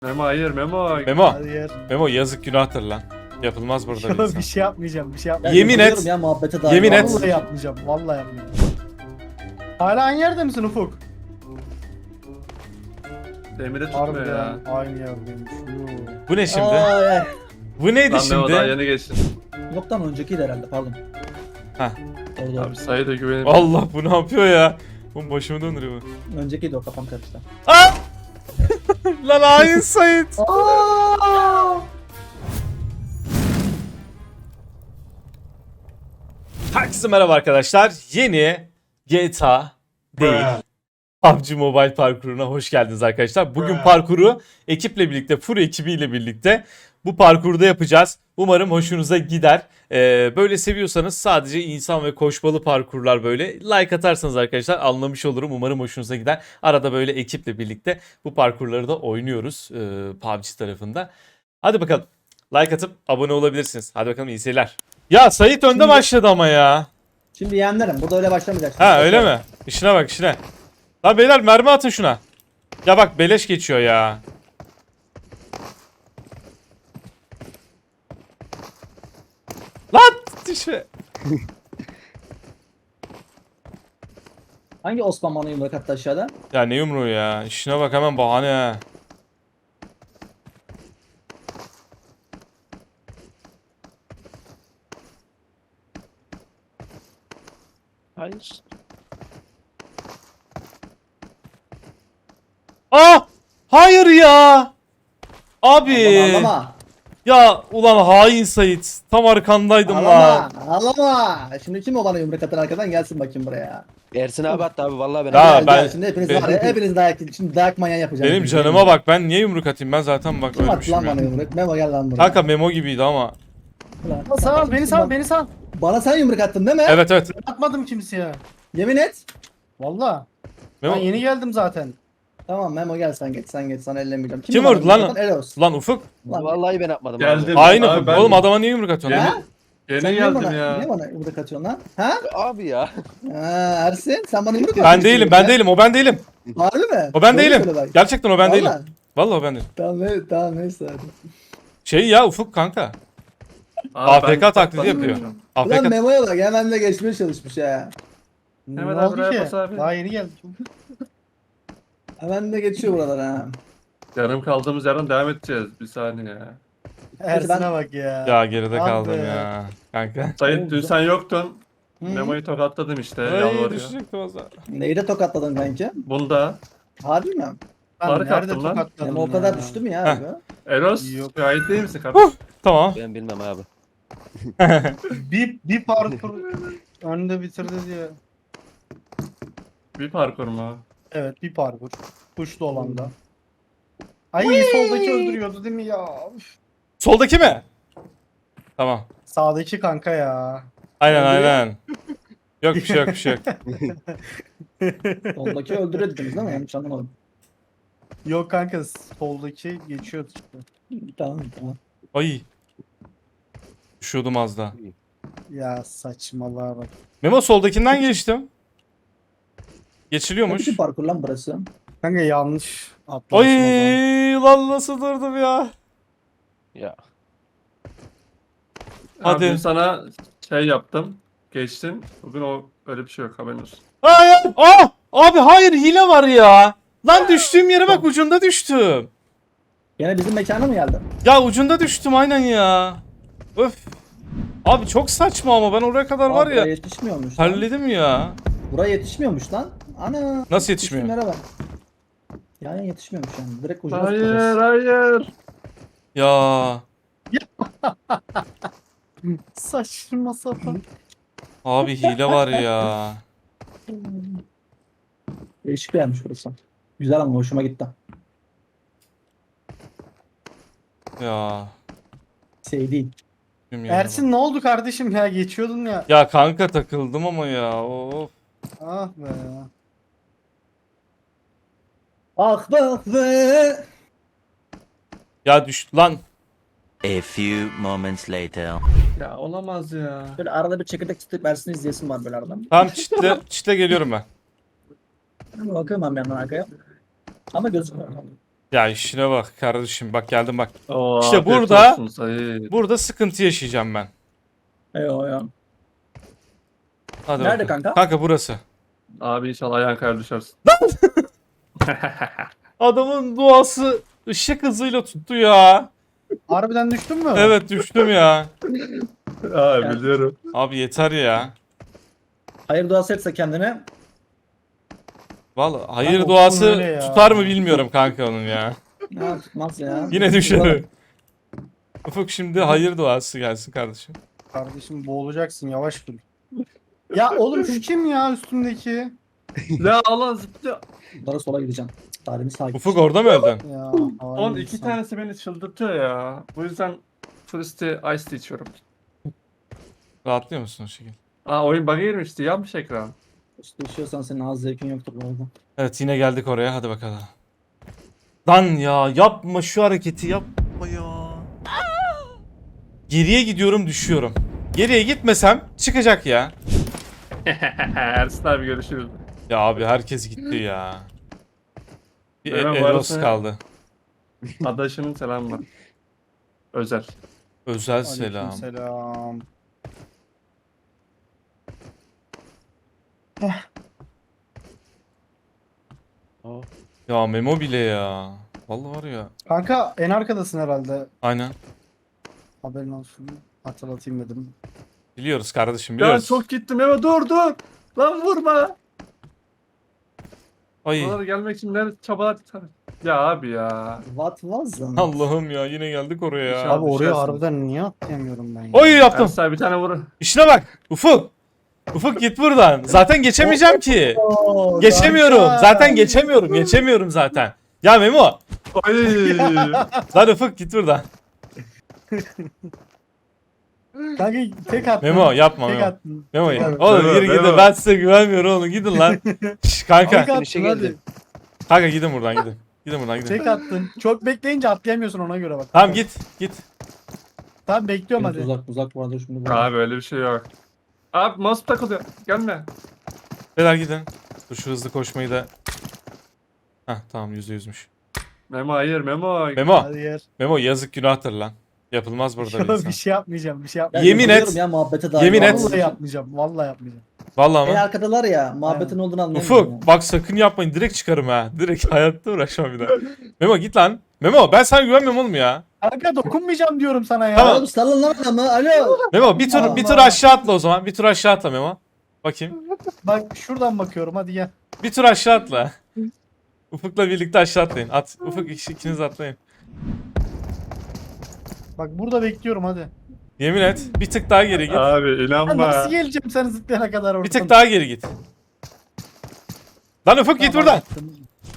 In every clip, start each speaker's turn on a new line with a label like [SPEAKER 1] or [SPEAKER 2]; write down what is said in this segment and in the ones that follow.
[SPEAKER 1] Memo hayır Memo.
[SPEAKER 2] Memo.
[SPEAKER 3] Hayır.
[SPEAKER 2] Memo yazık günahtır lan. Yapılmaz burada bir
[SPEAKER 3] Yok,
[SPEAKER 2] insan.
[SPEAKER 3] bir şey yapmayacağım. Bir şey
[SPEAKER 4] Ya
[SPEAKER 3] yapmayacağım.
[SPEAKER 2] Yemin et.
[SPEAKER 4] yapıyorum Ya, muhabbete dair.
[SPEAKER 2] Yemin et.
[SPEAKER 3] Vallahi yapmayacağım. Vallahi yapmayacağım. Hala aynı yerde misin Ufuk?
[SPEAKER 1] Demire tutmuyor ya.
[SPEAKER 3] Harbiden aynı yerdeymiş. Yoo.
[SPEAKER 2] Bu ne şimdi?
[SPEAKER 4] Ay, ay.
[SPEAKER 2] Bu neydi
[SPEAKER 1] Lan Memo daha
[SPEAKER 2] şimdi?
[SPEAKER 1] yeni geçtin.
[SPEAKER 4] Yoktan öncekiydi herhalde, pardon.
[SPEAKER 2] Heh.
[SPEAKER 4] Doğru doğru.
[SPEAKER 1] Abi sayı da güvenim.
[SPEAKER 2] Allah bu ne yapıyor ya? Bu başımı döndürüyor bu.
[SPEAKER 4] Öncekiydi, o kafam karıştı.
[SPEAKER 2] Aa! Lan hain Sait. Herkese merhaba arkadaşlar. Yeni GTA değil. PUBG Mobile parkuruna hoş geldiniz arkadaşlar. Bugün parkuru ekiple birlikte, full ekibiyle birlikte bu parkurda yapacağız. Umarım hoşunuza gider. Böyle seviyorsanız sadece insan ve koşmalı parkurlar böyle like atarsanız arkadaşlar anlamış olurum. Umarım hoşunuza gider. Arada böyle ekiple birlikte bu parkurları da oynuyoruz PUBG tarafında. Hadi bakalım. Like atıp abone olabilirsiniz. Hadi bakalım iyi seyirler. Ya Sait önde
[SPEAKER 4] Şimdi-
[SPEAKER 2] başladı ama ya.
[SPEAKER 4] Şimdi yeğenlerim, burada öyle başlamayacak.
[SPEAKER 2] Ha öyle mi? İşine bak işine. Lan beyler mermi atın şuna. Ya bak beleş geçiyor ya. Lan düşme.
[SPEAKER 4] Hangi Osman bana yumruk attı aşağıda?
[SPEAKER 2] Ya ne yumruğu ya. İşine bak hemen bahane ha.
[SPEAKER 1] Hayır.
[SPEAKER 2] Ah! Hayır ya. Abi.
[SPEAKER 4] Ağlama.
[SPEAKER 2] Ya ulan hain Sait. Tam arkandaydım lan.
[SPEAKER 4] Ağlama. Ağlama. Şimdi kim o bana yumruk atan arkadan gelsin bakayım buraya.
[SPEAKER 5] Ersin abi hatta abi vallahi ben.
[SPEAKER 2] Ya
[SPEAKER 4] Gel,
[SPEAKER 2] ben-
[SPEAKER 4] gel. Şimdi hepiniz
[SPEAKER 2] ben-
[SPEAKER 4] var ya, hepiniz dayak, şimdi dayak manyağı yapacağım.
[SPEAKER 2] Benim canıma bak, ben niye yumruk atayım? Ben zaten bak
[SPEAKER 4] Kim attı
[SPEAKER 2] ölmüşüm
[SPEAKER 4] lan
[SPEAKER 2] ya.
[SPEAKER 4] bana yumruk? Memo gel lan buraya.
[SPEAKER 2] Kanka Memo gibiydi ama.
[SPEAKER 4] Ulan,
[SPEAKER 3] Sal beni sal beni sal.
[SPEAKER 4] Bana sen yumruk attın değil mi?
[SPEAKER 2] Evet evet.
[SPEAKER 3] Atmadım kimseye.
[SPEAKER 4] Yemin et.
[SPEAKER 3] Valla.
[SPEAKER 2] Memo.
[SPEAKER 3] Ben yeni geldim zaten.
[SPEAKER 4] Tamam Memo gel, sen geç sen ellemeyeceğim.
[SPEAKER 2] Kim
[SPEAKER 4] bana
[SPEAKER 2] vurdu lan?
[SPEAKER 4] yumruk atan? Eros.
[SPEAKER 2] Lan Ufuk.
[SPEAKER 4] Lan,
[SPEAKER 5] Vallahi ben atmadım.
[SPEAKER 1] Geldim.
[SPEAKER 2] Aynı
[SPEAKER 1] Abi ben-
[SPEAKER 2] oğlum adama niye yumruk atıyorsun?
[SPEAKER 1] Yeni-
[SPEAKER 4] Ha?
[SPEAKER 1] Yeni
[SPEAKER 4] Sen
[SPEAKER 1] geldim
[SPEAKER 4] niye
[SPEAKER 1] ya.
[SPEAKER 4] bana yumruk atıyorsun lan? Ha?
[SPEAKER 5] Abi ya.
[SPEAKER 4] Ha, Ersin sen bana yumruk
[SPEAKER 2] Ben
[SPEAKER 4] atıyorsun.
[SPEAKER 2] değilim,
[SPEAKER 4] şimdi
[SPEAKER 2] ben
[SPEAKER 4] ya.
[SPEAKER 2] değilim, o ben değilim.
[SPEAKER 4] Harbi mi?
[SPEAKER 2] O ben
[SPEAKER 4] Doğru
[SPEAKER 2] değilim.
[SPEAKER 4] söyle bak.
[SPEAKER 2] Gerçekten o ben değilim.
[SPEAKER 4] Vallahi.
[SPEAKER 2] Vallahi o ben değilim.
[SPEAKER 4] Tamam evet, tamam neyse hadi.
[SPEAKER 2] Şey ya Ufuk kanka.
[SPEAKER 1] Abi ben-
[SPEAKER 2] AFK taklidi yapıyor.
[SPEAKER 4] Ulan
[SPEAKER 2] AFK.
[SPEAKER 4] Memo'ya bak, hemen de geçmeye çalışmış ya.
[SPEAKER 1] Hemen
[SPEAKER 3] Ne
[SPEAKER 1] abi
[SPEAKER 3] oldu
[SPEAKER 1] buraya
[SPEAKER 3] ki?
[SPEAKER 1] bas abi.
[SPEAKER 3] Daha yeni geldim.
[SPEAKER 4] Hemen de geçiyor buralara ha.
[SPEAKER 1] Yarım kaldığımız yerden devam edeceğiz. Bir saniye ya.
[SPEAKER 3] Ersin'e bak ya.
[SPEAKER 2] Ya geride
[SPEAKER 3] Abi.
[SPEAKER 2] kaldım ya. Kanka.
[SPEAKER 1] Sayın dün sen yoktun.
[SPEAKER 4] Hı?
[SPEAKER 1] Memo'yu tokatladım işte.
[SPEAKER 2] Ay
[SPEAKER 1] Yalvarıyor.
[SPEAKER 2] düşecektim az daha.
[SPEAKER 4] Neyi de tokatladın kanki?
[SPEAKER 1] Bunda
[SPEAKER 4] Harbi mi?
[SPEAKER 3] Ben
[SPEAKER 1] Fark
[SPEAKER 3] nerede
[SPEAKER 1] attım lan.
[SPEAKER 3] tokatladım
[SPEAKER 4] Memo o
[SPEAKER 3] ya?
[SPEAKER 4] kadar düştü mü ya
[SPEAKER 2] Heh.
[SPEAKER 4] abi?
[SPEAKER 1] Eros
[SPEAKER 3] Yok.
[SPEAKER 1] gayet değil misin kardeşim?
[SPEAKER 2] Tamam.
[SPEAKER 5] Ben bilmem abi.
[SPEAKER 3] Bir parkur önde bitirdi diye.
[SPEAKER 1] Bir parkur mu?
[SPEAKER 3] Evet bir parkur. Kuşlu olan da. Ay soldaki öldürüyordu değil mi ya? Üf.
[SPEAKER 2] Soldaki mi? Tamam.
[SPEAKER 3] Sağdaki kanka ya.
[SPEAKER 2] Aynen
[SPEAKER 4] Öldürüyor.
[SPEAKER 2] aynen. Yok bir şey yok bir şey yok.
[SPEAKER 4] Soldaki öldürüyor dediniz değil mi? Yanlış anlamadım.
[SPEAKER 3] Yok kanka soldaki geçiyordu işte.
[SPEAKER 4] Tamam tamam.
[SPEAKER 2] Ay. Düşüyordum az daha.
[SPEAKER 3] Ya saçmalığa bak.
[SPEAKER 2] Memo soldakinden geçtim. Geçiliyormuş.
[SPEAKER 4] Nasıl bir parkur lan burası?
[SPEAKER 3] Kanka yanlış atlamışım o zaman.
[SPEAKER 2] Ay lan nasıl durdum ya.
[SPEAKER 5] Ya.
[SPEAKER 2] Hadi.
[SPEAKER 1] Abi dün sana şey yaptım. Geçtin. Bugün o öyle bir şey yok haberin olsun.
[SPEAKER 2] Hayır. Aa! Abi hayır hile var ya. Lan düştüğüm yere bak ucunda düştüm.
[SPEAKER 4] Gene bizim mekana mı geldin?
[SPEAKER 2] Ya ucunda düştüm aynen ya. Öf. Abi çok saçma ama ben oraya kadar var
[SPEAKER 4] Aa, buraya
[SPEAKER 2] ya.
[SPEAKER 4] yetişmiyormuş lan.
[SPEAKER 2] Halledim ya.
[SPEAKER 4] Buraya yetişmiyormuş lan. Ana.
[SPEAKER 2] Nasıl yetişmiyor?
[SPEAKER 4] Düştüğüm yere bak. Yani yetişmiyormuş yani. Direkt ucuna
[SPEAKER 1] Hayır
[SPEAKER 4] tutacağız.
[SPEAKER 1] hayır.
[SPEAKER 2] Ya.
[SPEAKER 3] Saçma sapan.
[SPEAKER 2] Abi hile var ya.
[SPEAKER 4] Değişik bir yermiş burası. Güzel ama hoşuma gitti.
[SPEAKER 2] Ya.
[SPEAKER 4] Şey değil.
[SPEAKER 2] bilmiyorum.
[SPEAKER 3] Ersin ne oldu kardeşim ya geçiyordun ya.
[SPEAKER 2] Ya kanka takıldım ama ya. Of.
[SPEAKER 3] Ah be.
[SPEAKER 4] Ah be.
[SPEAKER 2] Ya düştü lan.
[SPEAKER 6] A few moments later.
[SPEAKER 1] Ya olamaz ya.
[SPEAKER 4] Böyle arada bir çekirdek tutup Ersin'i izleyesim var böyle aradan.
[SPEAKER 2] Tamam çitle geliyorum ben.
[SPEAKER 4] Bakıyorum ben bir yandan arkaya. Ama gözükmüyor.
[SPEAKER 2] Ya işine bak kardeşim, bak geldim bak.
[SPEAKER 1] Oo,
[SPEAKER 2] İşte
[SPEAKER 1] afiyet
[SPEAKER 2] burada-
[SPEAKER 1] olsun Sait.
[SPEAKER 2] Burada sıkıntı yaşayacağım ben.
[SPEAKER 4] Eyvah ya.
[SPEAKER 2] Hadi
[SPEAKER 4] Nerede
[SPEAKER 2] bakalım.
[SPEAKER 4] kanka?
[SPEAKER 2] Kanka burası.
[SPEAKER 1] Abi inşallah ayağın kayar düşersin.
[SPEAKER 2] Adamın duası ışık hızıyla tuttu ya.
[SPEAKER 3] Harbiden düştün mü?
[SPEAKER 2] Evet düştüm ya.
[SPEAKER 1] Abi biliyorum.
[SPEAKER 2] Abi yeter ya.
[SPEAKER 4] Hayır duası etse kendine.
[SPEAKER 2] Vallahi hayır
[SPEAKER 3] Kanka,
[SPEAKER 2] duası
[SPEAKER 3] öyle ya.
[SPEAKER 2] tutar mı bilmiyorum kanka onun ya.
[SPEAKER 4] Ya tutmaz ya.
[SPEAKER 2] Yine düşerim. Ufuk şimdi hayır duası gelsin kardeşim.
[SPEAKER 3] Kardeşim boğulacaksın yavaş dur. Ya oğlum şu kim ya üstümdeki?
[SPEAKER 1] Ya Allah zıplıyor.
[SPEAKER 4] Bunlara sola gideceğim. Tarihimi sakin.
[SPEAKER 2] Ufuk orada mı öldün?
[SPEAKER 3] Ya,
[SPEAKER 1] Onun
[SPEAKER 3] hain
[SPEAKER 1] iki
[SPEAKER 3] insan.
[SPEAKER 1] tanesi beni çıldırtıyor ya. Bu yüzden Turisti Ice Tea içiyorum.
[SPEAKER 2] Rahatlıyor musun o şekilde?
[SPEAKER 1] Aa oyun bug'a girmişti. Yanmış ekran.
[SPEAKER 4] İşte düşüyorsan senin ağız zevkin yoktur bu arada.
[SPEAKER 2] Evet yine geldik oraya, hadi bakalım. Lan ya yapma şu hareketi, yapma ya. Geriye gidiyorum, düşüyorum. Geriye gitmesem çıkacak ya.
[SPEAKER 1] Ersin abi görüşürüz.
[SPEAKER 2] Ya abi herkes gitti ya. Bir
[SPEAKER 1] Hemen bu
[SPEAKER 2] Eros
[SPEAKER 1] arada-
[SPEAKER 2] kaldı.
[SPEAKER 1] Adaşının selamı var. Özel.
[SPEAKER 2] Özel selam.
[SPEAKER 3] Aleykümselam.
[SPEAKER 2] Ya Memo bile ya. Vallahi var ya.
[SPEAKER 3] Kanka en arkadasın herhalde.
[SPEAKER 2] Aynen.
[SPEAKER 3] Haberin olsun. Hatırlatayım dedim.
[SPEAKER 2] Biliyoruz kardeşim,
[SPEAKER 1] Ya
[SPEAKER 2] biliyoruz.
[SPEAKER 1] çok gittim Eva dur dur. Lan vurma.
[SPEAKER 2] Ay
[SPEAKER 1] Oralara gelmek için ne çabalar tutar. Ya abi ya.
[SPEAKER 4] What was that?
[SPEAKER 2] Allah'ım ya, yine geldik oraya ya.
[SPEAKER 1] İnşallah.
[SPEAKER 3] Abi oraya
[SPEAKER 1] düşersin.
[SPEAKER 3] harbiden niye atlayamıyorum ben ya?
[SPEAKER 2] Oy yaptım.
[SPEAKER 1] Ersin abi bir tane vur.
[SPEAKER 2] İşine bak. Ufuk. Ufuk git buradan. Zaten geçemeyeceğim ki.
[SPEAKER 3] Oo,
[SPEAKER 2] Geçemiyorum.
[SPEAKER 3] kanka.
[SPEAKER 2] Zaten geçemiyorum. Geçemiyorum zaten. Ya Memo.
[SPEAKER 1] Oy.
[SPEAKER 2] Lan Ufuk git buradan.
[SPEAKER 3] Kanka tek attın.
[SPEAKER 2] Memo yapma
[SPEAKER 3] Tek
[SPEAKER 2] Memo.
[SPEAKER 3] attın.
[SPEAKER 2] Memo
[SPEAKER 3] Tek attın.
[SPEAKER 2] oğlum
[SPEAKER 1] Memo,
[SPEAKER 2] yürü gidin.
[SPEAKER 1] Memo.
[SPEAKER 2] Ben size güvenmiyorum oğlum. Gidin lan. Şş, kanka.
[SPEAKER 3] Tek attın
[SPEAKER 5] Finish'e
[SPEAKER 3] hadi.
[SPEAKER 5] geldi.
[SPEAKER 2] Kanka gidin buradan gidin. Gidin buradan gidin.
[SPEAKER 3] Tek attın. Çok bekleyince atlayamıyorsun ona göre bak.
[SPEAKER 2] Tamam git. Git.
[SPEAKER 3] Tamam bekliyorum
[SPEAKER 4] Benim
[SPEAKER 3] hadi.
[SPEAKER 4] uzak bu arada şimdi bu.
[SPEAKER 1] Abi öyle bir şey yok. Abi mouse takılıyor. Gelme.
[SPEAKER 2] Beyler gidin. Dur şu hızlı koşmayı da. Heh tamam %100'müş.
[SPEAKER 1] Memo hayır Memo.
[SPEAKER 2] Memo.
[SPEAKER 3] Hadi yer.
[SPEAKER 2] Memo yazık günahtır lan. Yapılmaz burada bir
[SPEAKER 3] bir
[SPEAKER 2] insan.
[SPEAKER 3] şey yapmayacağım. Bir şey
[SPEAKER 4] Ya
[SPEAKER 3] yapmayacağım.
[SPEAKER 2] Yemin et.
[SPEAKER 4] yapıyorum Ya, muhabbete dair.
[SPEAKER 2] Yemin et.
[SPEAKER 3] Vallahi yapmayacağım. Vallahi yapmayacağım.
[SPEAKER 2] Vallahi
[SPEAKER 4] En
[SPEAKER 2] mı?
[SPEAKER 4] arkadalar ya muhabbetin olduğunu anlayamıyorum.
[SPEAKER 2] Ufuk bak sakın yapmayın, direkt çıkarım ha. Direkt hayatta uğraşmam bir daha. Memo git lan. Memo ben sana güvenmiyorum oğlum ya.
[SPEAKER 3] Kanka dokunmayacağım diyorum sana ya.
[SPEAKER 2] Tamam.
[SPEAKER 4] Oğlum salın lan adamı. Alo.
[SPEAKER 2] Memo bir tur
[SPEAKER 3] Allah.
[SPEAKER 2] aşağı atla o zaman. Bir tur aşağı atla Memo. Bakayım.
[SPEAKER 3] Bak şuradan bakıyorum hadi gel.
[SPEAKER 2] Bir tur aşağı atla. Ufuk'la birlikte aşağı atlayın. At. Ufuk ikiniz atlayın.
[SPEAKER 3] Bak burada bekliyorum hadi.
[SPEAKER 2] Yemin et. Bir tık daha geri git.
[SPEAKER 1] Abi
[SPEAKER 3] Ya
[SPEAKER 1] inanma.
[SPEAKER 3] nasıl geleceğim sen zıplayana kadar oradan?
[SPEAKER 2] Bir tık daha geri git. Lan Ufuk git
[SPEAKER 3] Tamam,
[SPEAKER 2] buradan.
[SPEAKER 3] attım.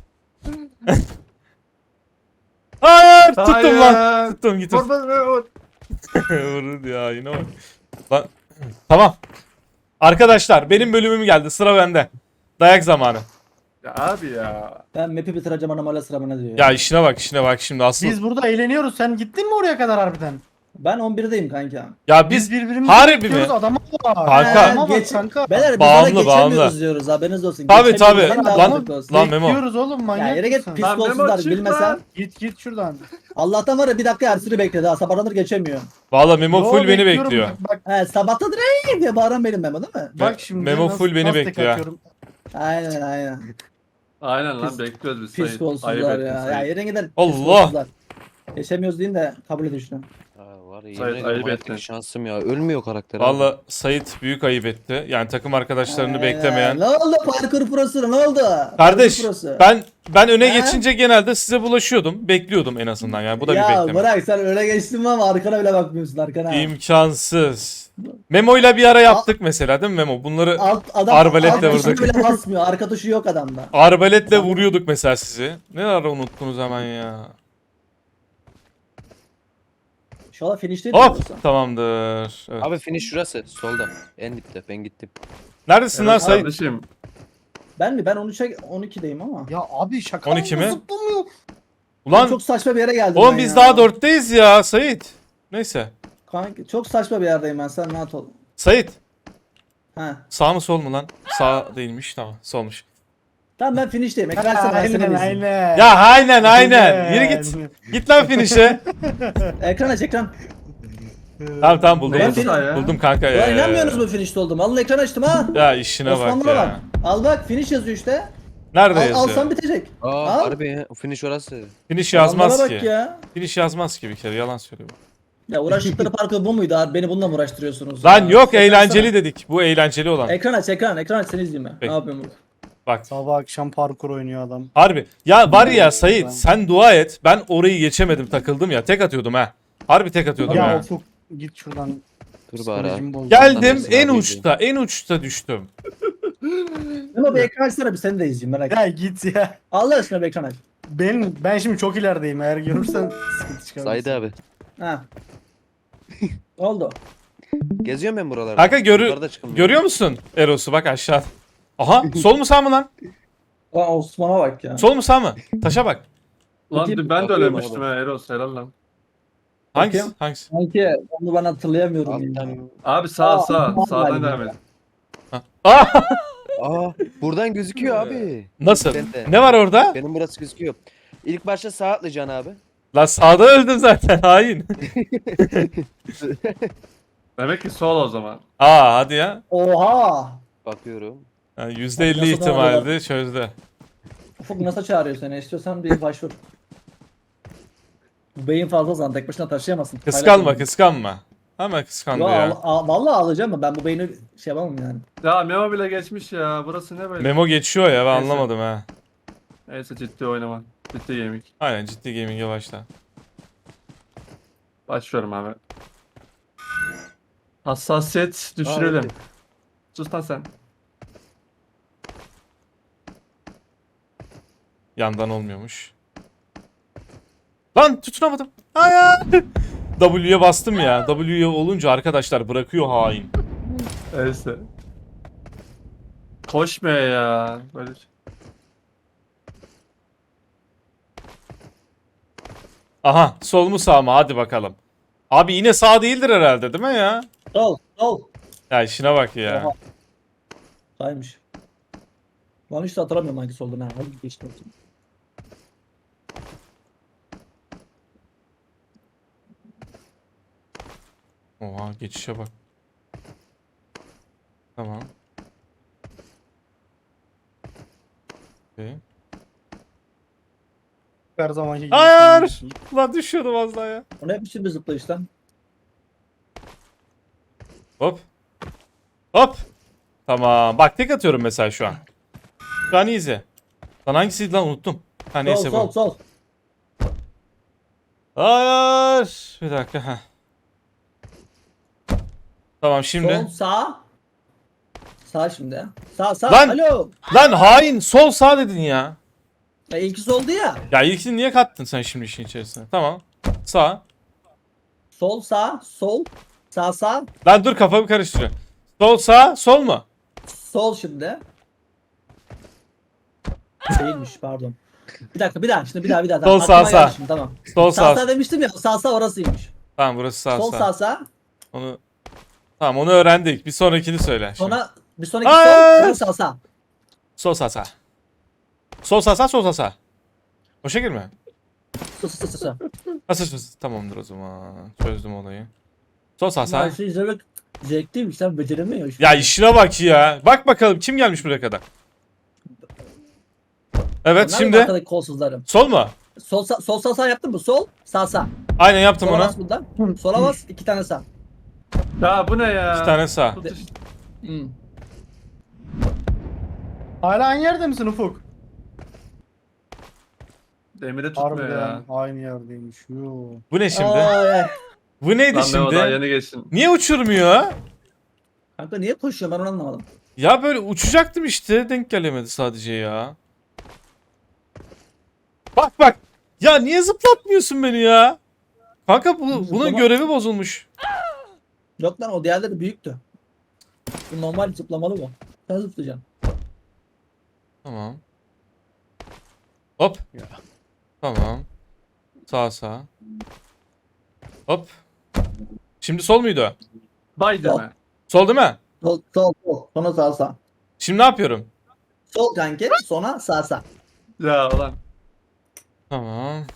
[SPEAKER 2] Hayır tuttum lan.
[SPEAKER 1] Hayır.
[SPEAKER 2] Tuttum git.
[SPEAKER 1] Vur vur.
[SPEAKER 2] Vurdu ya yine bak. Lan. Tamam. Arkadaşlar benim bölümüm geldi. Sıra bende. Dayak zamanı.
[SPEAKER 1] Ya abi ya.
[SPEAKER 4] Ben map'i bitireceğim anam hala sıra bana diyor.
[SPEAKER 2] Ya işine bak şimdi asıl.
[SPEAKER 3] Biz burada eğleniyoruz. Sen gittin mi oraya kadar harbiden?
[SPEAKER 4] Ben 11'deyim kanka.
[SPEAKER 2] Ya biz
[SPEAKER 3] birbirimizi
[SPEAKER 2] harbi
[SPEAKER 3] bekliyoruz.
[SPEAKER 2] mi?
[SPEAKER 3] Adama bak.
[SPEAKER 2] Kanka.
[SPEAKER 3] Adama bak
[SPEAKER 4] Geç-
[SPEAKER 3] kanka.
[SPEAKER 4] Beyler biz
[SPEAKER 2] Bağımlı,
[SPEAKER 4] ona geçemiyoruz
[SPEAKER 2] bağımlı.
[SPEAKER 4] diyoruz haberiniz olsun.
[SPEAKER 2] Tabii,
[SPEAKER 4] Geçemiyoruz,
[SPEAKER 2] tabii.
[SPEAKER 4] daha
[SPEAKER 2] Lan-
[SPEAKER 4] mantıklı olsun.
[SPEAKER 2] lan Memo.
[SPEAKER 3] Bekliyoruz oğlum manyak
[SPEAKER 4] Ya yere git
[SPEAKER 3] mısın?
[SPEAKER 4] pis
[SPEAKER 1] Lan Memo,
[SPEAKER 4] olsuzlar
[SPEAKER 1] çık
[SPEAKER 4] bilmesen.
[SPEAKER 1] lan.
[SPEAKER 3] Git şuradan.
[SPEAKER 4] Allah'tan var ya bir dakika Ersin'i bekledi ha sabahlanır geçemiyor.
[SPEAKER 2] Valla Memo
[SPEAKER 3] Yo,
[SPEAKER 2] full beni
[SPEAKER 3] bekliyorum.
[SPEAKER 2] bekliyor.
[SPEAKER 3] Bak
[SPEAKER 4] He sabahtadır ey diye bağıran benim Memo değil mi?
[SPEAKER 3] bak şimdi.
[SPEAKER 2] Memo full beni
[SPEAKER 3] nasıl tek
[SPEAKER 2] bekliyor.
[SPEAKER 3] atıyorum.
[SPEAKER 4] Aynen aynen.
[SPEAKER 1] Aynen lan
[SPEAKER 4] Pis-
[SPEAKER 1] bekliyoruz biz.
[SPEAKER 4] Pis
[SPEAKER 1] Sait.
[SPEAKER 4] kolsuzlar
[SPEAKER 1] Ayıp
[SPEAKER 4] ya.
[SPEAKER 1] ettin
[SPEAKER 4] Ya
[SPEAKER 1] Sait.
[SPEAKER 4] yere gider. pis
[SPEAKER 2] Allah!
[SPEAKER 4] kolsuzlar. Geçemiyoruz deyin de kabul edin şunu.
[SPEAKER 5] Ha, var ya
[SPEAKER 1] Sait,
[SPEAKER 5] yemin ediyorum
[SPEAKER 1] ayıp
[SPEAKER 5] hayattaki
[SPEAKER 1] ettin.
[SPEAKER 5] şansım ya. Ölmüyor karakter abi.
[SPEAKER 2] Valla Sait büyük ayıp etti. Yani takım arkadaşlarını
[SPEAKER 4] Aynen.
[SPEAKER 2] beklemeyen.
[SPEAKER 4] Ne oldu parkur prosu ne oldu?
[SPEAKER 2] Kardeş
[SPEAKER 4] Parkur prosu.
[SPEAKER 2] ben öne
[SPEAKER 4] He?
[SPEAKER 2] geçince genelde size bulaşıyordum. Bekliyordum en azından yani. Bu da bir
[SPEAKER 4] Ya
[SPEAKER 2] bekleme.
[SPEAKER 4] bırak sen öyle geçtin ama arkana bile bakmıyorsun arkana.
[SPEAKER 2] İmkansız. Memo'yla bir ara yaptık mesela değil mi Memo? Bunları
[SPEAKER 4] Adam
[SPEAKER 2] Arbaletle
[SPEAKER 4] alt tuşuna
[SPEAKER 2] vurduk.
[SPEAKER 4] bile basmıyor. Arka tuşu yok adamda.
[SPEAKER 2] arbaletle vuruyorduk mesela sizi. Ne ara unuttunuz hemen ya.
[SPEAKER 4] İnşallah finish değil
[SPEAKER 2] Hop tamamdır. Evet.
[SPEAKER 5] Abi finish şurası solda. En dipte ben gittim.
[SPEAKER 2] Neredesin lan
[SPEAKER 1] Evet
[SPEAKER 2] Sait?
[SPEAKER 1] kardeşim.
[SPEAKER 4] Ben mi? Ben 12'deyim ama.
[SPEAKER 3] Ya abi şaka
[SPEAKER 2] 12 mi?
[SPEAKER 3] Zıplamıyor.
[SPEAKER 2] Ulan
[SPEAKER 4] Çok saçma bir yere geldim
[SPEAKER 2] oğlum
[SPEAKER 4] ben
[SPEAKER 2] biz
[SPEAKER 4] ya.
[SPEAKER 2] daha 4'teyiz ya Sait. Neyse.
[SPEAKER 4] Kanka, çok saçma bir yerdeyim ben sen rahat ol.
[SPEAKER 2] Sait
[SPEAKER 4] Ha.
[SPEAKER 2] sağ mı sol mu lan? Sağ değilmiş tamam solmuş.
[SPEAKER 4] Tamam ben finish'teyim. Ekran açsana ben seni
[SPEAKER 3] Aynen
[SPEAKER 4] izleyeyim.
[SPEAKER 3] aynen.
[SPEAKER 2] Ya aynen. Yürü git. Git lan finish'e.
[SPEAKER 4] Ekran aç ekran.
[SPEAKER 2] Tamam buldum.
[SPEAKER 1] Neyse
[SPEAKER 2] Buldum,
[SPEAKER 1] ya.
[SPEAKER 2] buldum kanka
[SPEAKER 4] Ulan
[SPEAKER 2] ya.
[SPEAKER 4] inanmıyorsunuz mu finish'te oldum? Alın ekran açtım ha.
[SPEAKER 2] Ya işine bak
[SPEAKER 4] Osmanlı'na
[SPEAKER 2] ya.
[SPEAKER 4] bak. Al bak finish yazıyor işte.
[SPEAKER 2] Nerede
[SPEAKER 4] Al,
[SPEAKER 2] yazıyor?
[SPEAKER 4] alsan bitecek.
[SPEAKER 5] Aa
[SPEAKER 4] Al.
[SPEAKER 5] harbi ya. O finish orası.
[SPEAKER 2] Finish yazmaz
[SPEAKER 4] Adamlara
[SPEAKER 2] ki.
[SPEAKER 4] bak ya.
[SPEAKER 2] Finish yazmaz ki bir kere yalan söylüyor.
[SPEAKER 4] Ya uğraştıkları parkur bu muydu abi? Beni bununla mı uğraştırıyorsunuz?
[SPEAKER 2] Lan
[SPEAKER 4] ya?
[SPEAKER 2] yok
[SPEAKER 4] Ekran
[SPEAKER 2] eğlenceli
[SPEAKER 4] açsana.
[SPEAKER 2] dedik. Bu eğlenceli olan.
[SPEAKER 4] Ekran aç ekran aç seni izleyeyim ben.
[SPEAKER 2] Peki.
[SPEAKER 4] Ne yapıyorum burada?
[SPEAKER 2] Bak.
[SPEAKER 3] Sabah akşam parkur oynuyor adam.
[SPEAKER 2] Harbi. Ya var ya Sait sen dua et. Ben orayı geçemedim takıldım ya. Tek atıyordum ha. Harbi tek atıyordum
[SPEAKER 3] Ya
[SPEAKER 2] ha.
[SPEAKER 3] Ufuk git şuradan.
[SPEAKER 5] Dur bari abi.
[SPEAKER 3] Psikolojimi bozdu.
[SPEAKER 2] Geldim
[SPEAKER 5] Neredesin
[SPEAKER 2] en
[SPEAKER 5] abi?
[SPEAKER 2] uçta düştüm.
[SPEAKER 4] Ama bir ekran açsana bir seni de izleyeyim merak etme.
[SPEAKER 3] Ya git ya.
[SPEAKER 4] Allah aşkına bir ekran aç.
[SPEAKER 3] Ben şimdi çok ilerideyim. Eğer görürsen sıkıntı çıkar.
[SPEAKER 5] Said abi.
[SPEAKER 4] Ha. Ne oldu?
[SPEAKER 5] Geziyorum ben buralarda.
[SPEAKER 2] Kanka
[SPEAKER 5] Yukarıda çıkın.
[SPEAKER 2] görüyor musun Eros'u bak aşağı. Aha sol mu sağ mı lan?
[SPEAKER 4] Lan Osman'a bak ya.
[SPEAKER 2] Sol mu sağ mı? Taşa bak.
[SPEAKER 1] Lan
[SPEAKER 4] Bakayım.
[SPEAKER 1] ben de
[SPEAKER 5] Bakıyorum
[SPEAKER 1] ölemiştim
[SPEAKER 5] abi.
[SPEAKER 1] ha Eros helal lan.
[SPEAKER 2] Hangisi?
[SPEAKER 4] Bakayım.
[SPEAKER 2] Hangisi?
[SPEAKER 4] Sanki onu ben hatırlayamıyorum ya.
[SPEAKER 5] Alttan.
[SPEAKER 1] Abi sağ
[SPEAKER 4] Aa,
[SPEAKER 1] sağdan
[SPEAKER 4] galiba.
[SPEAKER 1] devam et.
[SPEAKER 2] Aa!
[SPEAKER 5] Aa buradan gözüküyor abi.
[SPEAKER 2] Nasıl?
[SPEAKER 5] Ben de.
[SPEAKER 2] Ne var orada?
[SPEAKER 5] Benim burası gözüküyor. İlk başta sağ atlayacaksın abi.
[SPEAKER 2] Lan sağda öldüm zaten hain.
[SPEAKER 1] Demek ki sol o zaman.
[SPEAKER 2] Aa hadi ya.
[SPEAKER 4] Oha!
[SPEAKER 5] Bakıyorum.
[SPEAKER 2] Yani %50
[SPEAKER 4] Nasıl
[SPEAKER 2] ihtimaldi çözdü.
[SPEAKER 4] Ufuk nasıl çağırıyor seni? İstiyorsan bir başvur. Bu beyin fazla zaman tek başına taşıyamazsın.
[SPEAKER 2] Kıskanma kıskanma. Ama kıskandı
[SPEAKER 4] Yo,
[SPEAKER 2] ya.
[SPEAKER 4] vallahi alacağım mı? Ben bu beyni şey yapamam yani.
[SPEAKER 1] Ya Memo bile geçmiş ya. Burası ne böyle?
[SPEAKER 2] Memo geçiyor ya ben
[SPEAKER 1] Neyse.
[SPEAKER 2] anlamadım ha.
[SPEAKER 1] Neyse ciddi oynama. Ciddi gaming.
[SPEAKER 2] Aynen ciddi gaming'e başla.
[SPEAKER 1] Başlıyorum abi. Hassasiyet düşürelim.
[SPEAKER 5] evet.
[SPEAKER 1] Sus lan sen.
[SPEAKER 2] Yandan olmuyormuş. Lan tutunamadım. Hayır. W'ye bastım ya. W'ye olunca arkadaşlar bırakıyor hain.
[SPEAKER 1] Neyse. Koşmuyor ya. Böyle.
[SPEAKER 2] Aha sol mu sağ mı hadi bakalım. Abi yine sağ değildir herhalde değil mi ya?
[SPEAKER 4] Sol, sol.
[SPEAKER 2] Ya işine bak ya.
[SPEAKER 4] Oha. Saymış. Ben hiç de hatırlamıyorum hangi soldu ne. Hadi geçtim.
[SPEAKER 2] Oha geçişe bak. Tamam. Okay.
[SPEAKER 3] Her zamanki gibi.
[SPEAKER 2] Hayır.
[SPEAKER 3] söylüyorsun.
[SPEAKER 2] Lan düşüyordum az daha ya.
[SPEAKER 4] O ne biçim bir zıplayış lan?
[SPEAKER 2] Hop. Hop. Tamam. Bak tek atıyorum mesela şu an. Şu an easy. Lan hangisiydi lan unuttum. Ha neyse
[SPEAKER 4] Sol,
[SPEAKER 2] bu.
[SPEAKER 4] sol, sol.
[SPEAKER 2] Hayır. Bir dakika. Heh. Tamam şimdi.
[SPEAKER 4] Sol, sağ. Sağ şimdi. Sağ, sağ.
[SPEAKER 2] Lan!
[SPEAKER 4] Alo.
[SPEAKER 2] Lan hain sol sağ dedin ya.
[SPEAKER 4] Ya ilki soldu ya.
[SPEAKER 2] Ya ilkini niye kattın sen şimdi işin içerisine? Tamam. Sağ.
[SPEAKER 4] Sol, sağ, sol. Sağ, sağ.
[SPEAKER 2] Lan dur kafamı karıştırıyor. Sol sağ sol mu?
[SPEAKER 4] Sol şimdi. Değilmiş pardon. Bir dakika bir daha şimdi bir daha.
[SPEAKER 2] Sol,
[SPEAKER 4] Tamam,
[SPEAKER 2] sağ,
[SPEAKER 4] aklıma geldi
[SPEAKER 2] sağ.
[SPEAKER 4] şimdi, tamam.
[SPEAKER 2] Sol
[SPEAKER 4] Sağ
[SPEAKER 2] sağ.
[SPEAKER 4] sağ demiştim ya sağ sağ orasıymış.
[SPEAKER 2] Tamam burası sağ
[SPEAKER 4] Sol
[SPEAKER 2] sağ.
[SPEAKER 4] sağ sağ.
[SPEAKER 2] Onu Tamam onu öğrendik. Bir sonrakini söyle. Şimdi.
[SPEAKER 4] Sonra bir sonraki
[SPEAKER 2] Aa!
[SPEAKER 4] sol sağ sağ.
[SPEAKER 2] Sol sağ sağ. Sol sağ sağ sol sağ sağ. O şekil mi?
[SPEAKER 4] Sağ sağ sağ sağ.
[SPEAKER 2] Nasıl tamamdır o zaman. Çözdüm olayı. Sol sağ
[SPEAKER 4] Ya
[SPEAKER 2] sağ.
[SPEAKER 4] şey izlemek zevkliymiş sen beceremiyorsun.
[SPEAKER 2] Ya işine bak ya. Bak bakalım kim gelmiş buraya kadar. Evet
[SPEAKER 4] Onlar
[SPEAKER 2] şimdi.
[SPEAKER 4] mı arkadaki kolsuzlarım?
[SPEAKER 2] Sol mu?
[SPEAKER 4] Sol sağ sağ yaptın mı? Sol sağ sağ.
[SPEAKER 2] Aynen yaptım
[SPEAKER 4] Sola
[SPEAKER 2] onu.
[SPEAKER 4] bas bundan. Sola bas 2 tane sağ.
[SPEAKER 1] Ya bu ne ya?
[SPEAKER 2] 2 tane sağ.
[SPEAKER 1] Tut işte.
[SPEAKER 4] Hmm.
[SPEAKER 3] Hala aynı yerde misin Ufuk?
[SPEAKER 1] Demire tutmuyor ya.
[SPEAKER 3] Harbiden aynı yerdeymiş. Yo.
[SPEAKER 2] Bu ne şimdi?
[SPEAKER 4] Ay, ay.
[SPEAKER 2] Bu neydi
[SPEAKER 1] Lan Memo daha
[SPEAKER 2] şimdi?
[SPEAKER 1] yeni geçsin.
[SPEAKER 2] Niye uçurmuyor?
[SPEAKER 4] Kanka niye koşuyor ben onu anlamadım.
[SPEAKER 2] Ya böyle uçacaktım işte. Denk gelemedi sadece ya. Bak bak. Ya niye zıplatmıyorsun beni ya? Kanka bunun
[SPEAKER 4] Zıplama-
[SPEAKER 2] görevi bozulmuş.
[SPEAKER 4] Yok lan o diğerleri büyüktü. Bu normal zıplamalı bu. Sen zıplayacaksın.
[SPEAKER 2] Tamam. Hop. Tamam. Sağ sağ. Hop. Şimdi sol muydu?
[SPEAKER 1] Bay
[SPEAKER 4] Sol.
[SPEAKER 1] deme.
[SPEAKER 2] Sol değil mi?
[SPEAKER 4] Sol sol sol. Sonra sağ sağ.
[SPEAKER 2] Şimdi ne yapıyorum?
[SPEAKER 4] Sol kanki. Sonra sağ.
[SPEAKER 1] Ya ulan.
[SPEAKER 2] Tamam.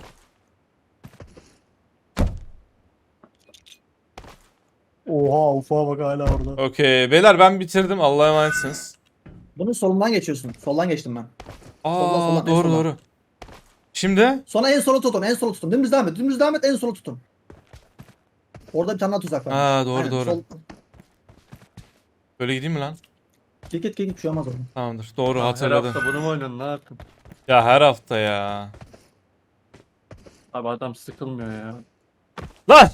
[SPEAKER 3] Oha ufağa bak hala orada.
[SPEAKER 2] Okey. Beyler ben bitirdim. Allah'a emanetsiniz.
[SPEAKER 4] Bunun solundan geçiyorsun. Soldan geçtim ben.
[SPEAKER 2] Aa
[SPEAKER 4] Soldan, en
[SPEAKER 2] doğru
[SPEAKER 4] soldan.
[SPEAKER 2] doğru. Şimdi
[SPEAKER 4] Sonra en sola tutun. En sola tutun. Dümdüz devam et. Dümdüz devam et. En sola tutun. Orada bir tane daha tuzak var.
[SPEAKER 2] Ha, doğru,
[SPEAKER 4] Aynen,
[SPEAKER 2] doğru.
[SPEAKER 4] Sol.
[SPEAKER 2] böyle gideyim mi lan?
[SPEAKER 4] Git bir şey olmaz orada.
[SPEAKER 2] Tamamdır. Doğru
[SPEAKER 1] Her
[SPEAKER 2] hatırladım.
[SPEAKER 1] hafta bunu mu oynadın? Ne yaptın?
[SPEAKER 2] Ya her hafta ya.
[SPEAKER 1] Abi adam sıkılmıyor ya.
[SPEAKER 2] Lan!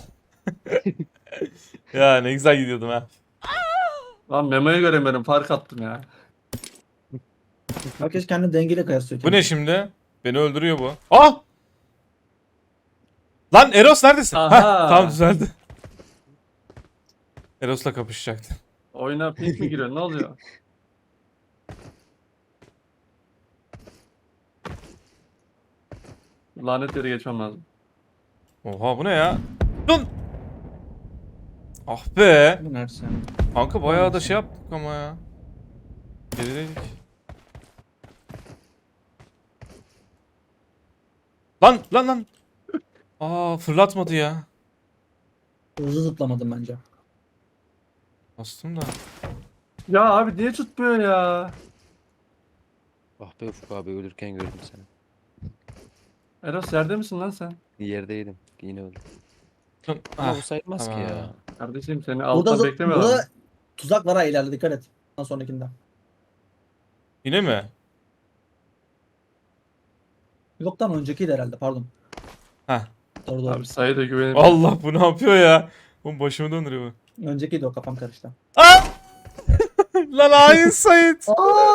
[SPEAKER 2] Ya ne güzel gidiyordum ha.
[SPEAKER 1] Lan memoyu göremiyorum. Fark attım ya.
[SPEAKER 4] Herkes kendini dengeyle kıyaslıyor.
[SPEAKER 2] Bu ne şimdi? Beni öldürüyor bu. Ah! Lan Eros neredesin?
[SPEAKER 1] Aha!
[SPEAKER 2] Heh, tamam düzeldi. Eros'la kapışacaktı.
[SPEAKER 1] Oyuna pink mi giriyor? Ne oluyor? Lanet yere geçmem lazım.
[SPEAKER 2] Oha bu ne ya? Dun! Ah be!
[SPEAKER 4] Bu neresi?
[SPEAKER 2] Kanka bayağı da şey yaptık ama ya. Gerideydik. Lan! Aa fırlatmadı ya.
[SPEAKER 4] Hızlı zıplamadım bence.
[SPEAKER 2] Bastım da.
[SPEAKER 1] Ya abi niye tutmuyor ya?
[SPEAKER 5] Ah be Ufuk abi ölürken gördüm seni.
[SPEAKER 1] Eros yerde misin lan sen?
[SPEAKER 5] Yerdeydim. Yine öldüm.
[SPEAKER 2] Dun.
[SPEAKER 5] Ama
[SPEAKER 2] Ah,
[SPEAKER 5] bu sayılmaz ki
[SPEAKER 2] tamam.
[SPEAKER 5] ya.
[SPEAKER 1] Kardeşim seni
[SPEAKER 4] Burada,
[SPEAKER 1] altta beklemiyorlar.
[SPEAKER 4] burada tuzak var ha ileride dikkat et. Ondan sonrakinde.
[SPEAKER 2] Yine mi?
[SPEAKER 4] Yoktan öncekiydi herhalde pardon.
[SPEAKER 2] Heh.
[SPEAKER 4] Doğru.
[SPEAKER 1] Abi sayı da güvenim.
[SPEAKER 2] Allah bu ne yapıyor ya? Bu başımı döndürüyor bu.
[SPEAKER 4] Öncekiydi o kafam karıştı.
[SPEAKER 2] Lan hain Sait.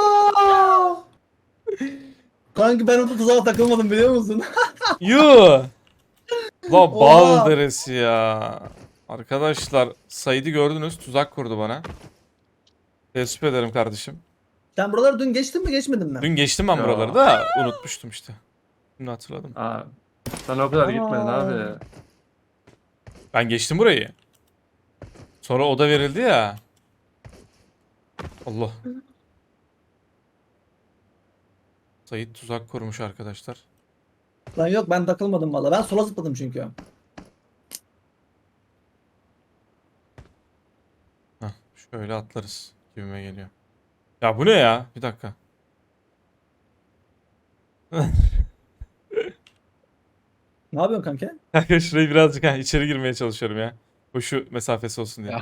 [SPEAKER 4] Kanki ben orada tuzağa takılmadım biliyor musun?
[SPEAKER 2] Yuh. La
[SPEAKER 4] Oha.
[SPEAKER 2] bal deresi ya. Arkadaşlar Sait'i gördünüz tuzak kurdu bana. Teessüp ederim kardeşim.
[SPEAKER 4] Sen buraları dün geçtin mi geçmedin mi?
[SPEAKER 2] Dün geçtim ben
[SPEAKER 1] Ya.
[SPEAKER 2] buraları da unutmuştum işte. Şimdi hatırladım.
[SPEAKER 1] Aa, sen o kadar gitmedin abi.
[SPEAKER 2] Ben geçtim burayı. Sonra oda verildi ya. Allah. Sait tuzak kurmuş arkadaşlar.
[SPEAKER 4] Lan yok ben takılmadım valla. Ben sola zıpladım çünkü.
[SPEAKER 2] Hah, şöyle atlarız gibime geliyor. Ya bu ne ya? Bir dakika.
[SPEAKER 4] Ne yapıyorsun kanka?
[SPEAKER 2] Kanka şurayı birazcık içeri girmeye çalışıyorum ya. Koşu mesafesi olsun diye.
[SPEAKER 5] Ya.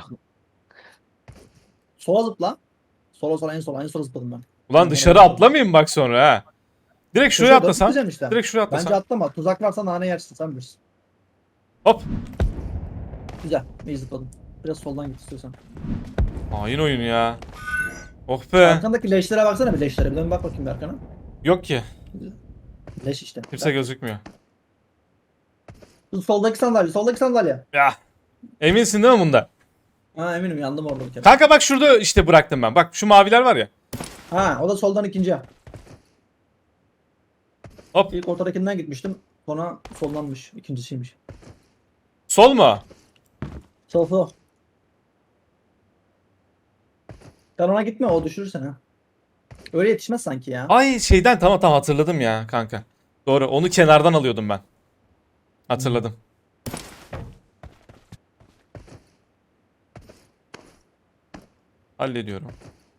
[SPEAKER 4] Sola zıpla. Sola en sola zıpladım ben.
[SPEAKER 2] Ulan dışarı atlamayayım bak sonra ha. Direkt şuraya
[SPEAKER 4] Köşeye doğru
[SPEAKER 2] atlasam.
[SPEAKER 4] gideceğim işte.
[SPEAKER 2] Direkt şuraya
[SPEAKER 4] Bence
[SPEAKER 2] atlasam.
[SPEAKER 4] atlama. Tuzak varsa nane yersin sen bilirsin.
[SPEAKER 2] Hop.
[SPEAKER 4] Güzel. İyi zıpladım. Biraz soldan git istiyorsan.
[SPEAKER 2] Hain oyun ya. Oh be.
[SPEAKER 4] Arkandaki leşlere baksana bir leşlere. Bir dön bak bakayım bir arkana.
[SPEAKER 2] Yok ki.
[SPEAKER 4] Leş işte.
[SPEAKER 2] Kimse gözükmüyor.
[SPEAKER 4] Soldaki sandalye. Soldaki sandalye.
[SPEAKER 2] Ya. Eminsin değil mi bunda?
[SPEAKER 4] Ha eminim yandım orada bir kere.
[SPEAKER 2] Kanka bak şurada işte bıraktım ben. Bak şu maviler var ya.
[SPEAKER 4] Ha o da soldan ikinci.
[SPEAKER 2] Hop.
[SPEAKER 4] İlk ortadakinden gitmiştim. Sonra soldanmış. İkincisiymiş.
[SPEAKER 2] Sol mu?
[SPEAKER 4] Sol. Sen ona gitme o düşürür seni. Öyle yetişmez sanki ya.
[SPEAKER 2] Ay şeyden tamam hatırladım ya kanka. Doğru onu kenardan alıyordum ben. Hatırladım. Hallediyorum.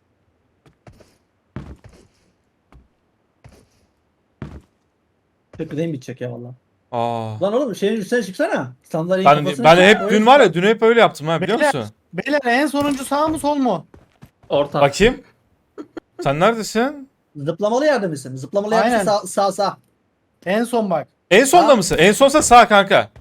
[SPEAKER 4] Tepkideyim bitecek ya valla.
[SPEAKER 2] Aa.
[SPEAKER 4] Lan oğlum şeyin üstüne çıksana. Sandalyenin
[SPEAKER 2] Ben
[SPEAKER 4] kafasına
[SPEAKER 2] ben
[SPEAKER 4] çık,
[SPEAKER 2] hep
[SPEAKER 4] öyle
[SPEAKER 2] dün var ya
[SPEAKER 4] çık.
[SPEAKER 2] dün hep öyle yaptım ha biliyor
[SPEAKER 3] Beyler.
[SPEAKER 2] musun?
[SPEAKER 3] Beyler en sonuncu sağ mı sol mu?
[SPEAKER 1] Orta.
[SPEAKER 2] Bakayım. Sen neredesin?
[SPEAKER 4] Zıplamalı yerde misin? Zıplamalı
[SPEAKER 3] Aynen.
[SPEAKER 4] yerde sağ.
[SPEAKER 3] En son bak.
[SPEAKER 2] En sonda
[SPEAKER 4] Sağ.
[SPEAKER 2] mısın? En sonsa sağ kanka.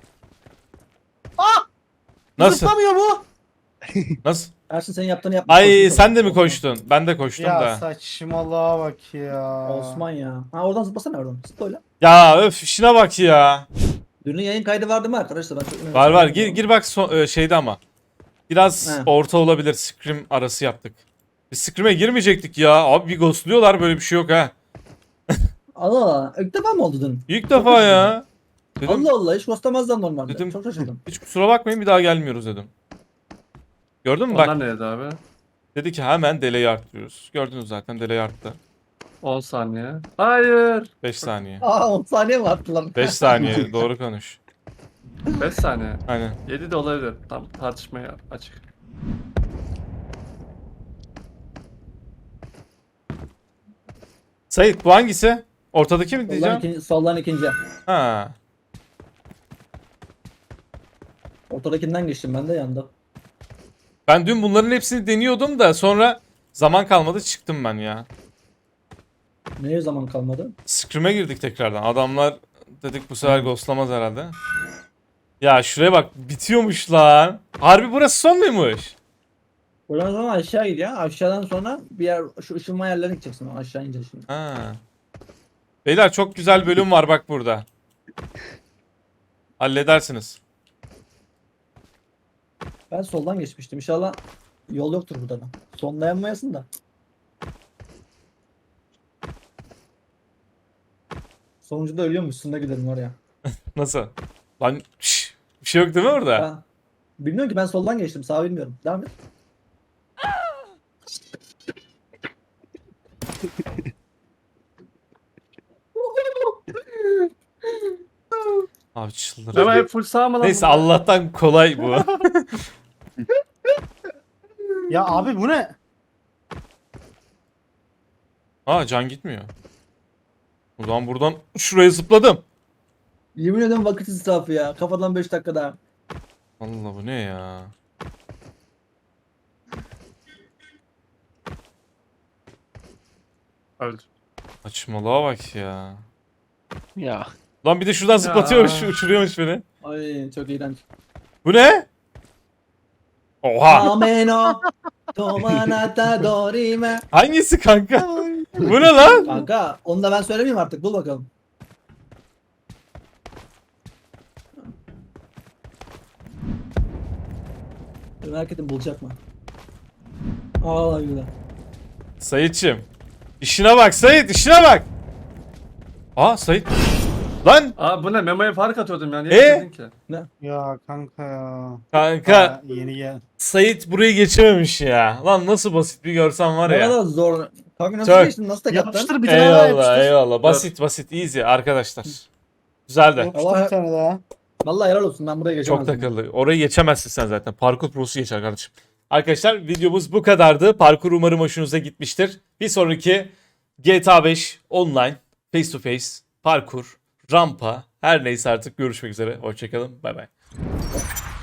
[SPEAKER 2] Nasıl?
[SPEAKER 3] Zıplamıyor bu.
[SPEAKER 2] Nasıl?
[SPEAKER 4] Ersin senin yaptığını yapma.
[SPEAKER 2] Ay sen de mi koştun? Ben de koştum
[SPEAKER 3] Ya
[SPEAKER 2] da.
[SPEAKER 3] saçmalığa bak ya.
[SPEAKER 4] Osman ya. Ha oradan zıplasana oradan. Zıpla öyle.
[SPEAKER 2] Ya öf işine bak ya.
[SPEAKER 4] Dünün yayın kaydı vardı mı arkadaşlar? Ben çok
[SPEAKER 2] Var gir bak şeyde ama. Biraz
[SPEAKER 4] He.
[SPEAKER 2] orta olabilir. Scrim arası yaptık. Biz Scrim'e girmeyecektik ya. Abi bir ghostluyorlar böyle bir şey yok ha.
[SPEAKER 4] Allah Allah. İlk defa mı oldu dün?
[SPEAKER 2] İlk defa ya. Dedim
[SPEAKER 4] Allah Allah hiç ghostlamazlar normalde.
[SPEAKER 2] Dedim-
[SPEAKER 4] Çok şaşırdım.
[SPEAKER 2] hiç kusura bakmayın bir daha gelmiyoruz dedim. Gördün mü bak.
[SPEAKER 1] Onlar neydi abi?
[SPEAKER 2] Dedi ki hemen delay arttırıyoruz. Gördünüz zaten delay arttı.
[SPEAKER 1] 10 saniye. Hayır.
[SPEAKER 2] 5 saniye.
[SPEAKER 4] Aa 10 saniye mi attı lan?
[SPEAKER 2] 5 saniye doğru konuş.
[SPEAKER 1] 5 saniye.
[SPEAKER 2] Aynen.
[SPEAKER 1] 7 de olabilir. Tam tartışmaya açık.
[SPEAKER 2] Sait bu hangisi? Ortadaki mi
[SPEAKER 4] Soldan
[SPEAKER 2] diyeceğim?
[SPEAKER 4] ikinci, soldan ikinci.
[SPEAKER 2] Ha.
[SPEAKER 4] Ortadakinden geçtim ben de yanda.
[SPEAKER 2] Ben dün bunların hepsini deniyordum da sonra zaman kalmadı çıktım ben ya.
[SPEAKER 4] Neye zaman kalmadı?
[SPEAKER 2] Scrim'e girdik tekrardan. Adamlar dedik bu sefer ghostlamaz herhalde. Ya şuraya bak bitiyormuş lan. Harbi burası son muymuş?
[SPEAKER 4] Buradan sonra aşağı gidiyor. Aşağıdan sonra bir yer şu ışınma yerlerine gideceksin. Aşağı ineceğiz şimdi.
[SPEAKER 2] Ha. Beyler çok güzel bölüm var bak burada. Halledersiniz.
[SPEAKER 4] Ben soldan geçmiştim. İnşallah yol yoktur burada da. Sonlayamayasın da. Sonuncuda ölüyormuşsun da gidelim oraya.
[SPEAKER 2] Nasıl? Lan bir şey yok değil mi orada?
[SPEAKER 4] Ben bilmiyorum ki ben soldan geçtim. Sağ bilmiyorum. Devam et.
[SPEAKER 2] Abi çıldırdım.
[SPEAKER 1] Ama hep full sağ mı lan?
[SPEAKER 2] Neyse
[SPEAKER 1] bunlar?
[SPEAKER 2] Allah'tan kolay bu.
[SPEAKER 3] Ya abi bu ne?
[SPEAKER 2] Aa can gitmiyor. O zaman buradan şuraya zıpladım.
[SPEAKER 4] Yemin ederim vakit israfı ya. Kafadan 5 dakika daha.
[SPEAKER 2] Allah bu ne ya?
[SPEAKER 1] Öldü.
[SPEAKER 2] Saçmalığa bak ya.
[SPEAKER 5] Ya.
[SPEAKER 2] Lan bir de şuradan zıplatıyormuş, uçuruyormuş beni.
[SPEAKER 4] Ay çok iğrenç.
[SPEAKER 2] Bu ne? Oha!
[SPEAKER 4] Ameno. Tomanata dorime.
[SPEAKER 2] Hangisi kanka? Bu ne lan?
[SPEAKER 4] Kanka onu da ben söylemeyeyim artık. Bul bakalım. Merak ettim bulacak mı? Allah güzel.
[SPEAKER 2] Sayitçim. İşine bak Sayit, işine bak. Aa Sayit. Lan
[SPEAKER 1] Aa bu ne? Memo'ya fark atıyordum yani.
[SPEAKER 2] E?
[SPEAKER 1] Niye dedin ki?
[SPEAKER 3] Ya kanka ya.
[SPEAKER 2] kanka
[SPEAKER 3] Ha, yeni gel.
[SPEAKER 2] Sayit burayı geçememiş ya. Lan nasıl basit bir görsen var
[SPEAKER 4] Ne
[SPEAKER 2] ya.
[SPEAKER 4] kadar zor. Kanka nasıl
[SPEAKER 2] Çok.
[SPEAKER 4] geçtin? Nasıl tek attın?
[SPEAKER 3] Yapıştır bir tane daha
[SPEAKER 2] Eyvallah
[SPEAKER 3] yapıştır.
[SPEAKER 2] eyvallah. Basit basit easy arkadaşlar. Güzel de.
[SPEAKER 3] Yapıştır
[SPEAKER 4] Allah-
[SPEAKER 3] bir tane daha.
[SPEAKER 4] Vallahi helal olsun ben buraya
[SPEAKER 2] Çok
[SPEAKER 4] geçemezdim.
[SPEAKER 2] takıldı. Orayı geçemezsin sen zaten. Parkur prosu geçer kardeşim. Arkadaşlar videomuz bu kadardı. Parkur umarım hoşunuza gitmiştir. Bir sonraki GTA 5 online, face to face, parkur, rampa her neyse artık görüşmek üzere. Hoşçakalın. Bay bay.